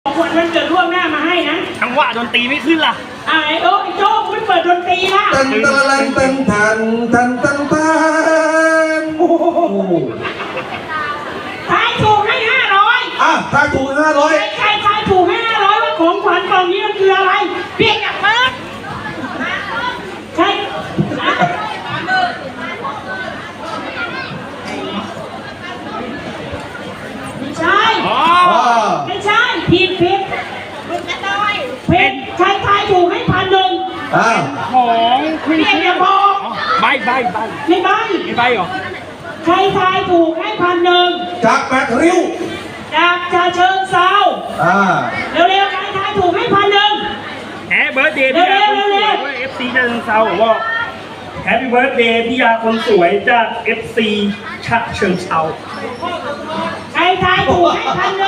ของขวัญวันเกิดล่วงหน้ามาให้นะจังหวะดนตรีไม่ขึ้นล่ะไอ้โอ้ไอ้โจ้คุณเปิดดนตรีละตันตะลันตันทันตันตันตันโอ้โหทายถูกให้500 ถ้าถูก500 ใครทายถูกให้500ว่าของขวัญกล่องนี้มันคืออะไรเพียงอย่างเปิดใช่ใช่ไม่ใช่ผิดมึงกระต้อยเป็นใครทายถูกให้1,000 ของคุณเพียงอย่าบอกใบไม่ใบเหรอใครทายถูกให้1,000 จาก8 ริ้วจากเชิงเซาเร็วๆใครทายถูกให้1,000 แฮปปี้เบิร์ดเดย์พี่ยาคนสวยด้วย FC เชิงเซาบอกแฮปปี้เบิร์ดเดย์พี่ยาคนสวยจาก FC ฉะเชิงเซาใครทายถูกให้1,000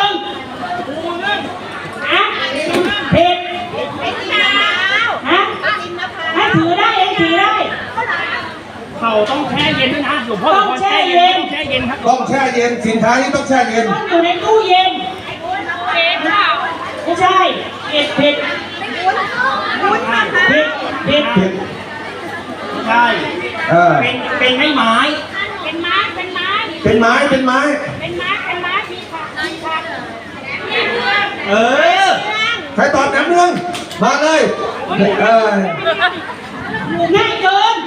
เพชรให้ถือได้ถือได้เขาต้องแช่เย็นด้วยนะหลวงพ่อต้องแช่เย็นครับต้องแช่เย็นสินค้านี้ต้องแช่เย็นต้องอยู่ในตู้เย็นไม่ใช่เผ็ดใช่เป็นไม้เป็นไม้มีค่ะใครตอบแหนมเนืองมาเลยง่ายเกิน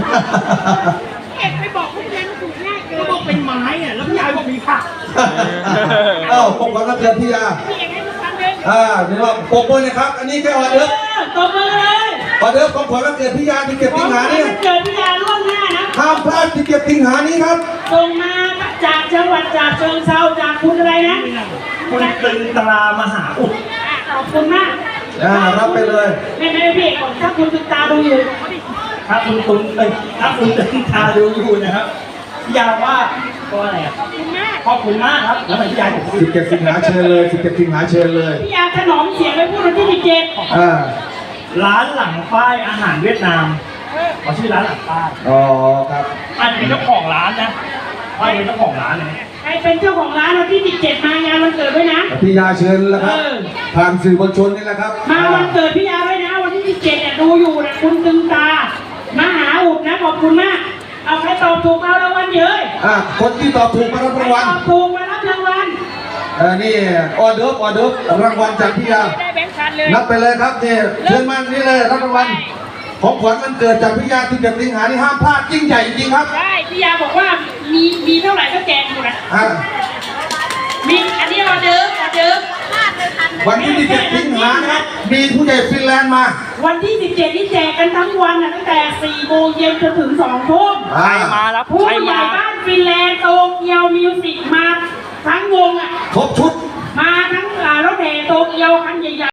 ไปบอกคุณยายถูกง่ายเกินก็บอกเป็นไม้อะแล้วพี่ยายบอกมีผักปกป้องนักเรียนพี่ยานี่ว่าปกป้องนะครับอันนี้แค่ออเดิร์ฟตบมือเลยออเดิร์ฟของขวัญวันเกิดพี่ยาที่เก็บสิงหานี่เกิดพี่ยาล่วงหน้านะห้ามพลาดที่เก็บสิงหานี้ครับส่งมาจากจังหวัดจากเชิงเซาจากคุณอะไรนะคุณตึงตรามหาอุดขอบคุณมากรับไปเลยไม่พี่ถ้าคุณตึงตาดูอยู่ถ้าคุณตึงตาดูอยู่นะครับพี่ยาว่าก็อะไรอ่ะขอบคุณมากครับแล้วพี่ยาบอก 17 สิงหาเชิญเลย17 สิงหาเชิญเลยพี่ยาถนอมเสียงไปพูดวันที่17 ร้านหลังป้ายอาหารเวียดนามเขาชื่อร้านหลังป้ายครับอันเป็นเจ้าของร้านนะป้ายเป็นเจ้าของร้านเลยใครเป็นเจ้าของร้านวันที่17มางานวันเกิดด้วยนะพี่ยาเชิญแล้วครับผ่านสื่อมวลชนนี่แหละครับมาวันเกิดพี่ยาด้วยนะวันที่17ดูอยู่นะคุณตึงตามหาอุดนะขอบคุณมากเอาใครตอบถูกเอารางวัลเยอะคนที่ตอบถูกมารับรางวัลตอบถูกมารับรางวัลนี่ออเดิร์ฟรางวัลจากพี่ยานับไปเลยครับนี่เชิญมานี่เลยรับรางวัลของขวัญวันเกิดจากพี่ยาที่เก็บสิงหานี่ห้ามพลาดยิ่งใหญ่จริงครับใช่พี่ยาบอกว่ามีเท่าไหร่ก็แจกหมดนะมีอันนี้ออเดิร์ฟวันที่17 สิงหาครับมีผู้ใหญ่ฟินแลนด์มาวันที่17นี่แจกกันทั้งวันนะตั้งแต่4 โมงเย็นจนถึง2 ทุ่มใครมาแล้วผู้ใหญ่บ้านฟินแลนด์โตเกียวมิวสิกมาทั้งวงครบชุดมาทั้งรถแห่โตเกียวคัน